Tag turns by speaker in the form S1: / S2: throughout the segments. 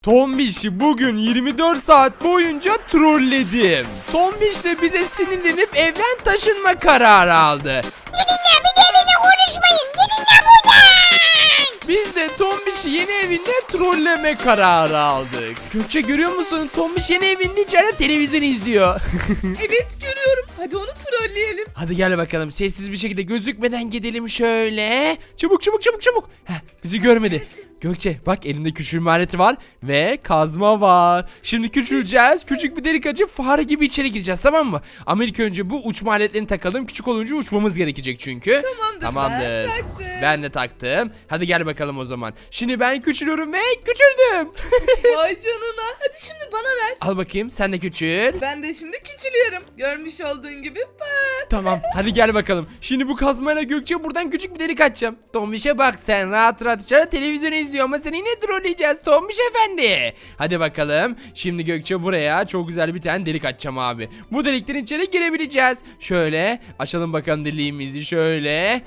S1: Tombiş'i bugün 24 saat boyunca trolledim. Tombiş de bize sinirlenip evden taşınma kararı aldı.
S2: Gidin ya, bir de benimle konuşmayın. Gidin ya buradan.
S1: Biz de Tombiş'i yeni evinde trolleme kararı aldık. Gökçe görüyor musun? Tombiş yeni evinde içeride televizyon izliyor.
S3: Evet görüyorum. Hadi onu trolleyelim.
S1: Hadi gel bakalım, sessiz bir şekilde gözükmeden gidelim şöyle. Çabuk çabuk çabuk çabuk. Heh, bizi görmedi. Gökçe bak, elimde küçülme aleti var ve kazma var. Şimdi küçüleceğiz. Küçük bir delik açıp fare gibi içeri gireceğiz, tamam mı? Ama ilk önce bu uçma aletlerini takalım. Küçük olunca uçmamız gerekecek çünkü.
S3: Tamamdır. Ben taktım.
S1: Ben de taktım. Hadi gel bakalım o zaman. Şimdi ben küçülüyorum ve küçüldüm.
S3: Vay canına. Hadi şimdi bana ver.
S1: Al bakayım, sen de küçül.
S3: Ben de şimdi küçülüyorum. Görmüş olduğun gibi bak.
S1: Tamam, hadi gel bakalım. Şimdi bu kazmayla Gökçe buradan küçük bir delik açacağım. Tombiş'e bak, sen rahat rahat içeride televizyon izliyor ama seni yine trolleyeceğiz Tombiş efendi. Hadi bakalım. Şimdi Gökçe buraya çok güzel bir tane delik açacağım abi. Bu deliklerin içeri girebileceğiz. Şöyle açalım bakalım deliğimizi, şöyle.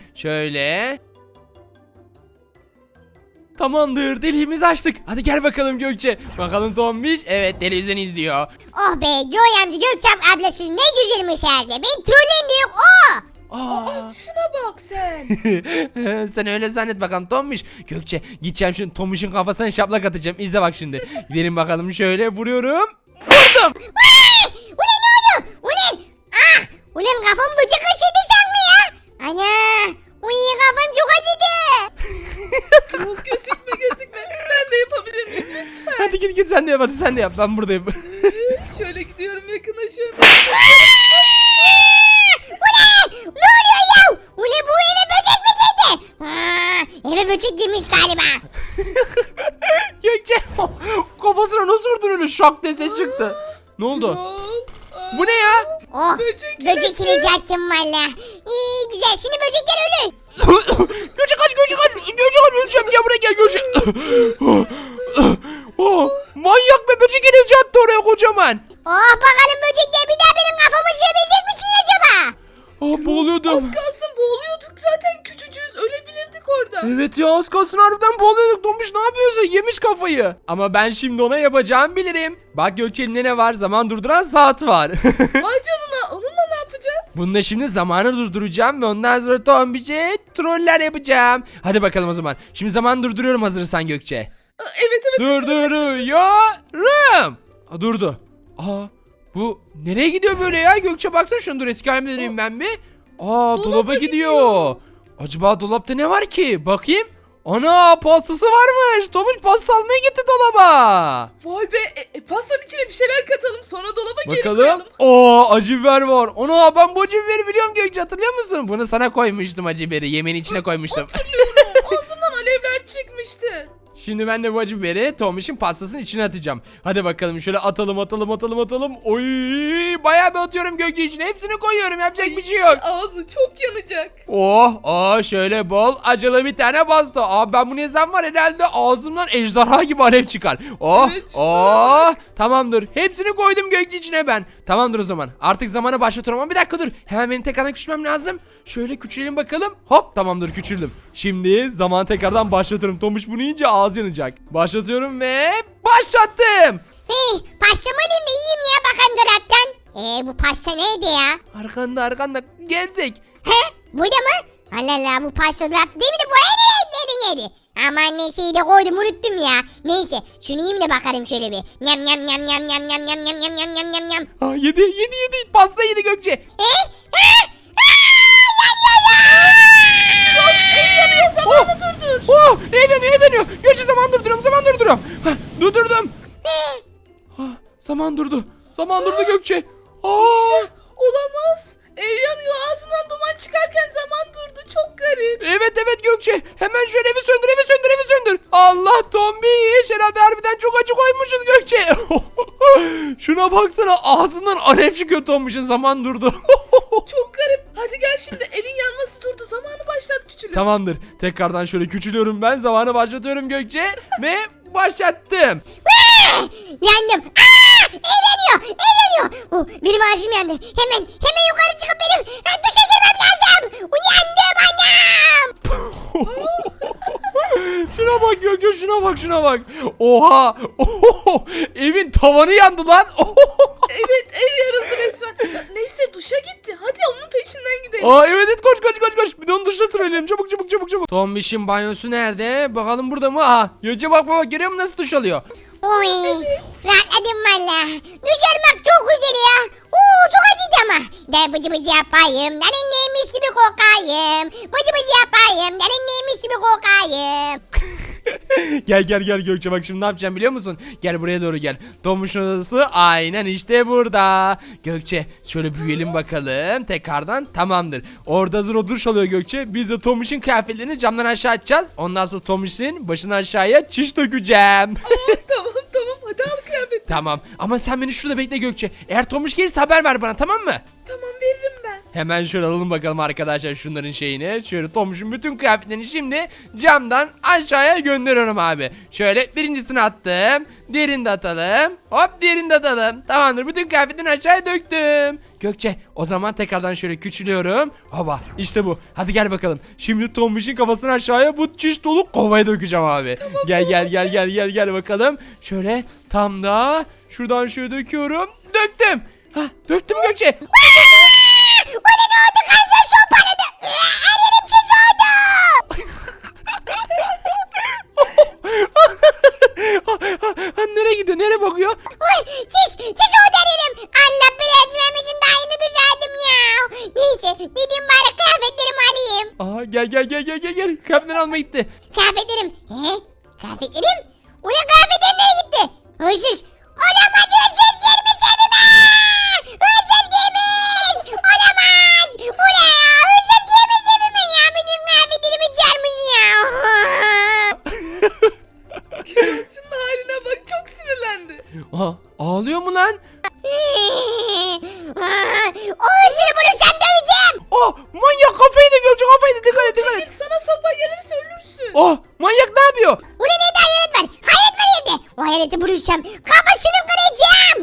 S1: Tamamdır, deliğimizi açtık. Hadi gel bakalım Gökçe. Bakalım Tombiş, evet televizyon izliyor.
S2: Oh be, Göğe amca, Gökçen ablası ne güzelmiş herhalde. Ben trolleyin diyor. Oh.
S3: Şuna bak sen.
S1: Sen öyle zannet bakalım Tombiş. Gökçe gideceğim şimdi Tombiş'in kafasına şaplak atacağım. İzle bak şimdi. Gidelim bakalım, şöyle vuruyorum. Vurdum.
S2: Ulan ne oldu? Ulan. Ah. Ulan kafam bıcık kaşıdı sanma ya. Ana. Uy, kafam çok acıdı.
S3: Yok, gözükme. Ben de yapabilir miyim lütfen?
S1: Hadi git sen de yap, hadi sen de yap. Ben buradayım.
S3: Şöyle gidiyorum, yakınlaşıyorum.
S2: Ulan. Ne oluyor ya? Ulan bu eve böcek mi girdi? Eve böcek girmiş galiba.
S1: Gökçe kafasına nasıl vurdun öyle, şak diye ses çıktı. Ne oldu? Bu ne ya?
S2: Oh.
S3: Böcek
S2: Böcek ilacı attım valla. İyi güzel, şimdi böcekler ölür.
S1: Gökçe kaç, öleceğim, gel buraya, gel Gökçe. Oh, manyak be, böcek ilacı attı oraya kocaman.
S2: Oh, bakalım böcekler bir daha benim kafamı yiyebilecek misin acaba?
S1: Boğuluyordum.
S3: Az kalsın boğuluyorduk zaten, küçücüğüz, ölebilirdik orada.
S1: Evet ya, az kalsın harbiden boğuluyorduk. Tombiş ne yapıyorsun? Yemiş kafayı. Ama ben şimdi ona yapacağımı bilirim. Bak Gökçe, elinde ne var? Zaman durduran saat var.
S3: Vay canına, onunla ne yapacağız?
S1: Bununla şimdi zamanı durduracağım ve ondan sonra Tombiş'e troller yapacağım. Hadi bakalım o zaman. Şimdi zaman durduruyorum, hazırsan Gökçe.
S3: Evet.
S1: Durduruyorum. Durdu. Bu nereye gidiyor böyle ya? Gökçe baksana, şunu dur, eski halime döneyim ben bir. Dolaba gidiyor. Acaba dolapta ne var ki? Bakayım. Ana, pastası varmış. Tombiş pasta almaya gitti dolaba.
S3: Vay be, pastanın içine bir şeyler katalım, sonra dolaba geri
S1: Bakalım.
S3: koyalım.
S1: Acı biber var. Ana, ben bu acı biberi biliyorum Gökçe, hatırlıyor musun? Bunu sana koymuştum, acı biberi. Yemeğin içine koymuştum.
S3: Ağzımdan alevler çıkmıştı.
S1: Şimdi ben de bu acı biberi Tombiş'in pastasının içine atacağım. Hadi bakalım, şöyle atalım. Oy, bayağı bir atıyorum Gökçe içine. Hepsini koyuyorum, yapacak bir şey yok.
S3: Ağzı çok yanacak.
S1: Şöyle bol acılı bir tane pasta. Ben bunu yesem var herhalde ağzımdan ejderha gibi alev çıkar.
S3: Evet,
S1: Tamamdır. Hepsini koydum Gökçe içine ben. Tamamdır o zaman. Artık zamanı başlatıyorum ama bir dakika dur. Hemen benim tekrardan küçülmem lazım. Şöyle küçülelim bakalım. Hop, tamamdır, küçüldüm. Şimdi zaman tekrardan başlatıyorum. Tombiş bunu yiyince ağzı yanacak. Başlatıyorum ve başlattım.
S2: Pastamı alayım da yiyeyim ya, bakalım dolaptan. Bu pasta neydi ya?
S1: Arkanda gezdik.
S2: Burada mı? Allah Allah, bu pasta dolapta değil mi de buraya nereden yedi? Aman neyse, iyi de koydum, unuttum ya. Neyse, şunu yiyeyim de bakalım şöyle bir. Nyam.
S1: Yedi. Pasta yedi Gökçe. Ev yanıyor. Gökçe, zaman durduruyorum. Durdurdum. Zaman durdu Gökçe.
S3: Olamaz. Ev yanıyor, ağzından duman çıkarken zaman durdu. Çok garip.
S1: Evet Gökçe. Hemen şöyle evi söndür. Allah, Tombiş. Herhalde harbiden çok acı koymuşuz Gökçe. Şuna baksana, ağzından alev çıkıyor Tombiş'in, zaman durdu.
S3: Çok garip. Hadi gel, şimdi evin yanması durdu. Zamanı başlat küçülüm.
S1: Tamamdır. Tekrardan şöyle küçülüyorum ben. Zamanı başlatıyorum Gökçe. Ve başlattım.
S2: Yandım. Ev yanıyor. Benim ağzım yandı. Hemen yukarı çıkıp benim duşa girmem lazım. Uyandım annem.
S1: Şuna Şuna bak Gökçe, şuna bak. Oha. Oho. Evin tavanı yandı lan. Oho.
S3: Evet, ev yarıldı resmen. Neyse, duşa gitti. Hadi onun peşinden gidelim.
S1: Aa evet, koş. Bir de onu dışına trolleyelim. Çabuk. Tombiş'in banyosu nerede? Bakalım burada mı? Aha. Gökçe bak görüyor musun nasıl duş alıyor?
S2: Oy. Rahatladım valla. Duş almak çok güzel ya. Oo çok acıydı ama. De bıcı yapayım. Neymiş gibi kokayım. Bıcı yapayım. Neymiş gibi kokayım.
S1: Gel Gökçe, bak şimdi ne yapacağım biliyor musun? Gel buraya doğru gel. Tombiş'in odası aynen işte burada. Gökçe şöyle büyüyelim bakalım tekrardan, tamamdır. Orada hazır o duş alıyor Gökçe. Biz de Tombiş'in kıyafetlerini camdan aşağı atacağız. Ondan sonra Tombiş'in başını aşağıya çiş dökeceğim.
S3: Tamam. Hadi al kıyafeti.
S1: Tamam ama sen beni şurada bekle Gökçe. Eğer Tombiş gelirse haber ver bana, tamam mı?
S3: Tamam, veririm ben.
S1: Hemen şöyle alalım bakalım arkadaşlar şunların şeyini. Şöyle Tombiş'in bütün kıyafetlerini şimdi camdan aşağıya gönderiyorum abi. Şöyle birincisini attım. Diğerini de atalım. Hop, diğerini de atalım. Tamamdır, bütün kıyafetlerini aşağıya döktüm. Gökçe o zaman tekrardan şöyle küçülüyorum. Hoba, işte bu. Hadi gel bakalım. Şimdi Tombiş'in kafasını aşağıya bu çiş dolu kovaya dökeceğim abi. Tamam, gel bakalım. Şöyle tam da şuradan şöyle döküyorum. Döktüm. Hah, döktüm Gökçe.
S2: O ne oldu kanca şu paradı. Her yerim çiş oldu.
S1: Nereye gidiyor? Nereye bakıyor?
S2: Oy çiş oldu her yerim. Allah belasını vermesin, daha yeni duş aldım ya. Neyse gideyim bari kıyafetlerimi alayım.
S1: Aha, gel. Kıyafetleri almaya gitti.
S2: Kıyafetlerim. Kıyafetlerim? Ulan kıyafetlerim nereye gitti? Hırsız. Olamaz, hırsız girmiş evime. Hırsız girmiş. Olamaz. Bu ne ya? Hırsız girmiş evime ya. Benim kıyafetlerimi çalmış ya.
S3: Şunun haline bak, çok sinirlendi.
S1: Aha, ağlıyor mu lan?
S2: O hırsızı bulursam döveceğim.
S1: Oh, manyak kafayı da Gökçe, kafayı da dikkat
S3: Çekil,
S1: et.
S3: sana sopa gelirse ölürsün.
S1: Oh, manyak ne yapıyor?
S2: Ulan neydi, hayalet var. Hayalet var evde. O hayaleti bulursam kafasını kıracağım.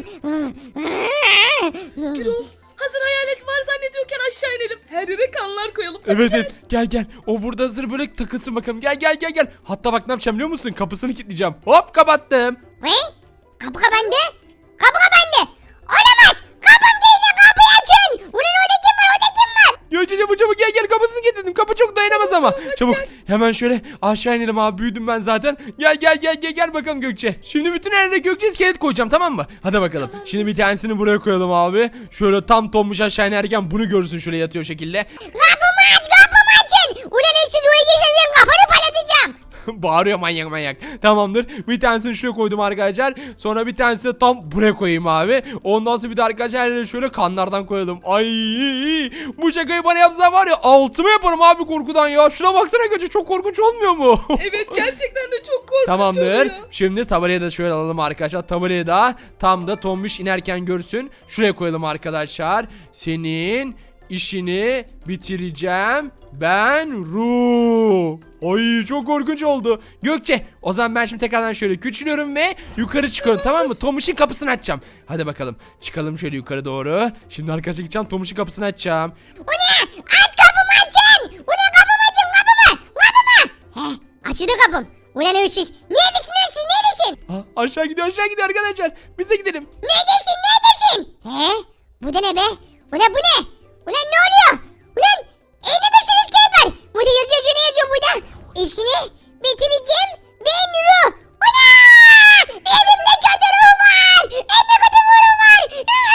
S3: Hazır hayalet var zannediyorken aşağı inelim. Her yere kanlar koyalım.
S1: Evet, gel. O burada hazır böyle takılsın bakalım. Gel. Hatta bak ne yapacağım biliyor musun? Kapısını kilitleyeceğim. Hop, kapattım.
S2: Ne? Kapı kapandı. Kapı kapandı. Olamaz. Kapım değil de kapıyı açın. Ulan orada kim var?
S1: Gökçe çabuk gel, kapısını kilitledim. Kapı çok dayanamaz ama. Çabuk hemen şöyle aşağı inelim abi, büyüdüm ben zaten. Gel bakalım Gökçe. Şimdi bütün her yere Gökçe iskelet koyacağım, tamam mı? Hadi bakalım. Şimdi bir tanesini buraya koyalım abi. Şöyle tam Tombiş aşağı inerken bunu görürsün, şöyle yatıyor şekilde.
S2: Kapımı açın. Ulan siz oraya geçin, benim kafanı patlatacağım.
S1: Bağırıyor manyak. Tamamdır. Bir tanesini şuraya koydum arkadaşlar. Sonra bir tanesini de tam buraya koyayım abi. Ondan sonra bir de arkadaşlar her yere şöyle kanlardan koyalım. Ay, bu şakayı bana yapsa var ya, altımı yaparım abi korkudan ya. Şuna baksana Gökçe, çok korkunç olmuyor mu?
S3: Evet, gerçekten de çok korkunç
S1: Tamamdır.
S3: oluyor.
S1: Şimdi tabelayı da şöyle alalım arkadaşlar. Tabelayı da tam da Tombiş inerken görsün. Şuraya koyalım arkadaşlar. Senin işini bitireceğim ben Ru. Ay, çok korkunç oldu. Gökçe o zaman ben şimdi tekrardan şöyle küçülüyorum ve yukarı çıkıyorum, tamam mı? Tombiş'in kapısını açacağım. Hadi bakalım çıkalım şöyle yukarı doğru. Şimdi arkadaşlar gideceğim, Tombiş'in kapısını açacağım.
S2: O ne? Aç kapımı açın. Ulan kapımı açın, kapımı. Açıldı kapım. Ulan hırsız. Neredesin?
S1: Aşağı gidiyor arkadaşlar. Biz de gidelim.
S2: Neredesin? Bu da ne be? Ulan bu ne? Ulan ne oluyor? Ulan evde bir sürü iskelet var. Burada yazıyor, ne yazıyor burada? İşini bitireceğim ben Ru. Ulan! Evimde kötü ruh var. Evde kötü ruh var.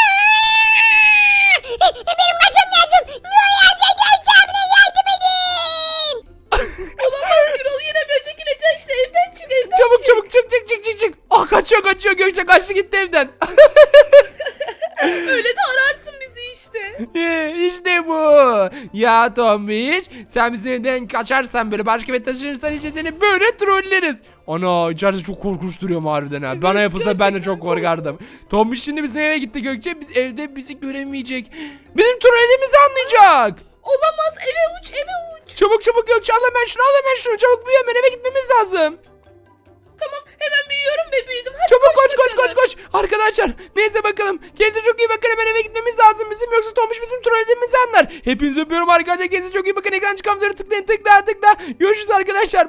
S2: Benim kaçmam lazım. Ruh yardım yardım edin.
S3: Olamaz Gürol, yine böcek inecek işte, evden çık.
S1: Çabuk çık. Ah, kaçıyor Gökçe, kaçtı gitti evden.
S3: Öyle de ararsın bizi işte.
S1: İşte bu. Ya Tombiş, sen bizim evden kaçarsan, böyle başka eve taşınırsan işte seni böyle trolleriz. Ana, içeride çok korkunç duruyor harbiden ha.
S3: Evet,
S1: Bana yapılsa ben de
S3: gerçekten
S1: çok korkardım. Tombiş şimdi bizim eve gitti Gökçe. Biz evde bizi göremeyecek. Bizim trollediğimizi anlayacak.
S3: Olamaz, eve uç.
S1: Çabuk Gökçe, al hemen şunu. Çabuk büyü, hemen eve gitmemiz lazım.
S3: Tamam, hemen büyüyorum ve büyüdüm. Hadi
S1: Çabuk
S3: bakalım.
S1: koş. Arkadaşlar neyse bakalım. Kendinize çok iyi bakın, hemen eve gitmemiz lazım bizim, yoksa Tombiş bizim trollediğimizi anlar. Hepinizi öpüyorum arkadaşlar, kendinize çok iyi bakın. Ekran çıkan tıklayın, tıkla. Görüşürüz arkadaşlar.